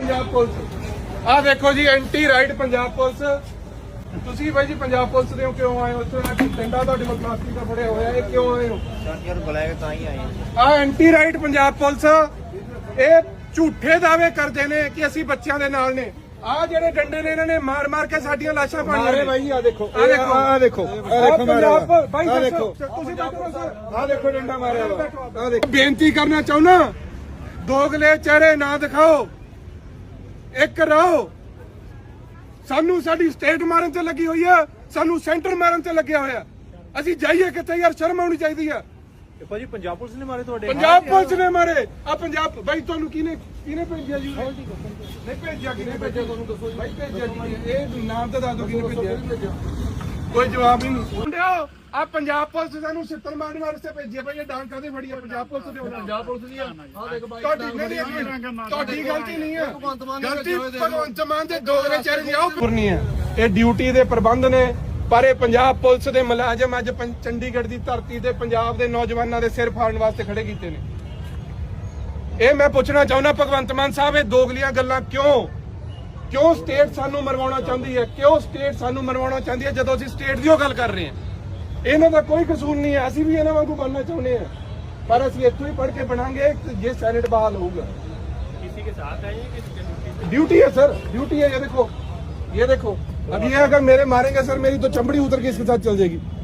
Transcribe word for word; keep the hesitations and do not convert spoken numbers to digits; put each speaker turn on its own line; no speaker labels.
Punjab police आ देखो ji anti riot Punjab police ਤੁਸੀਂ ਬਾਈ ਜੀ ਪੰਜਾਬ ਪੁਲਿਸ ਦੇ ਕਿਉਂ ਆਏ ਹੋ ਇੱਥੇ ਡੰਡਾ ਤੁਹਾਡੇ ਕੋਲ ਪਲਾਸਟਿਕ ਦਾ ਫੜਿਆ ਹੋਇਆ ਇਹ ਕਿਉਂ ਆਏ ਹੋ
ਸਰ ਯਾਰ ਬੁਲਾਇਆ ਤਾਂ ਹੀ ਆਏ
ਆ ਐਂਟੀ ਰਾਈਟ ਪੰਜਾਬ ਪੁਲਿਸ ਇਹ ਝੂਠੇ ਦਾਅਵੇ ਕਰਦੇ ਨੇ ਕਿ ਅਸੀਂ ਬੱਚਿਆਂ ਦੇ ਨਾਲ ਨੇ ਆ ਜਿਹੜੇ ਡੰਡੇ ਨੇ ਇਹਨਾਂ ਨੇ ਮਾਰ ਮਾਰ ਕੇ ਸਾਡੀਆਂ ਲਾਸ਼ਾਂ ਪਾਣੀਆਂ ਨੇ
ਬਾਈ ਜੀ ਆ ਦੇਖੋ
ਆ ਦੇਖੋ
ਆ ਦੇਖੋ ਆ ਦੇਖੋ
ਪੰਜਾਬ ਬਾਈ
ਆ ਦੇਖੋ
ਤੁਸੀਂ ਬੈਠੋ ਸਰ
ਆ ਦੇਖੋ ਡੰਡਾ ਮਾਰਿਆ ਆ ਦੇਖੋ
ਬੇਨਤੀ ਕਰਨਾ ਚਾਹੁੰਦਾ ਦੋਗਲੇ ਚਿਹਰੇ ਨਾ ਦਿਖਾਓ ਇੱਕ ਰਹੋ ਸਾਨੂੰ ਸਾਡੀ ਸਟੇਟ ਮਾਰਨ ਤੇ ਲੱਗੀ ਹੋਈ ਆ ਸਾਨੂੰ ਸੈਂਟਰ ਮਾਰਨ ਤੇ ਲੱਗਿਆ ਹੋਇਆ ਅਸੀਂ ਜਾਈਏ ਕਿੱਥੇ ਯਾਰ ਸ਼ਰਮ ਆਉਣੀ ਚਾਹੀਦੀ ਆ
ਭਾਜੀ ਪੰਜਾਬ ਪੁਲਿਸ ਨੇ ਮਾਰੇ ਤੁਹਾਡੇ
ਪੰਜਾਬ ਪੁਲਿਸ ਨੇ ਮਾਰੇ ਆ ਪੰਜਾਬ ਬਾਈ ਤੁਹਾਨੂੰ ਕਿਹਨੇ ਕਿਹਨੇ ਭੇਜਿਆ ਜੀ ਨਹੀਂ ਭੇਜਿਆ ਕਿਹਨੇ ਭੇਜਿਆ ਤੁਹਾਨੂੰ ਦੱਸੋ ਬਾਈ ਭੇਜਿਆ ਜੀ ਇਹ ਨਾਮ ਤਾਂ ਦੱਸ ਦਿਓ ਕਿਹਨੇ ਭੇਜਿਆ ਕੋਈ ਜਵਾਬ ਹੀ ਨਹੀਂ ਮੁੰਡਿਓ ਆ ਪੰਜਾਬ ਪੁਲਿਸ ਸਾਨੂੰ ਛਿੱਤਰ ਮਾਰਨ ਵਾਸਤੇ ਭੇਜਿਆ ਭਾਈ ਇਹ ਡਾਂਗ ਕਾਦੇ ਫੜੀ ਆ ਪੰਜਾਬ ਪੁਲਿਸ ਦੇ ਪੰਜਾਬ ਪੁਲਿਸ ਦੀ ਆ ਦੇਖ ਬਾਈ ਤੁਹਾਡੀ ਗਲਤੀ ਨਹੀਂ ਹੈ ਗਲਤੀ ਭਗਵੰਤ ਮਾਨ ਦੇ ਦੋਗਲੇ ਚਿਹਰੇ ਦੀ ਆਓ ਕਰਨੀ ਹੈ ਇਹ ਡਿਊਟੀ ਦੇ ਪ੍ਰਬੰਧ ਨੇ ਪਰ ਇਹ ਪੰਜਾਬ ਪੁਲਿਸ ਦੇ ਮੁਲਾਜ਼ਮ ਅੱਜ ਚੰਡੀਗੜ੍ਹ ਦੀ ਧਰਤੀ ਤੇ ਪੰਜਾਬ ਦੇ ਨੌਜਵਾਨਾਂ ਦੇ ਸਿਰ ਫਾੜਨ ਵਾਸਤੇ ਖੜੇ ਕੀਤੇ ਨੇ ਇਹ ਮੈਂ ਪੁੱਛਣਾ ਚਾਹੁੰਦਾ ਭਗਵੰਤ ਮਾਨ ਸਾਹਿਬ ਇਹ ਦੋਗਲੀਆਂ ਗੱਲਾਂ ਕਿਉਂ ਕਿਉਂ ਸਟੇਟ ਸਾਨੂੰ ਮਰਵਾਉਣਾ ਚਾਹੁੰਦੀ ਹੈ ਕਿਉਂ ਸਟੇਟ ਸਾਨੂੰ ਮਰਵਾਉਣਾ ਚਾਹੁੰਦੀ ਹੈ ਜਦੋਂ ਅਸੀਂ ਸਟੇਟ ਦੀ ਉਹ ਗੱਲ ਕਰ ਰਹੇ ਹਾਂ ਇਹਨਾਂ ਦਾ ਕੋਈ ਕਸੂਰ ਨਹੀਂ ਹੈ ਅਸੀਂ ਵੀ ਇਹਨਾਂ ਵਾਂਗੂ ਬਣਨਾ ਚਾਹੁੰਦੇ ਹਾਂ ਪਰ ਅਸੀਂ ਇੱਥੋਂ ਹੀ ਪੜ੍ਹ ਕੇ ਬਣਾਂਗੇ ਜੇ ਸੈਨੇਟ ਬਹਾਲ ਹੋਊਗਾ
किसी के साथ है ये किसी
ड्यूटी है सर ड्यूटी है ये देखो ये देखो अभी ये अगर मेरे मारेंगे सर मेरी तो चमड़ी उतर के इसके साथ चल जाएगी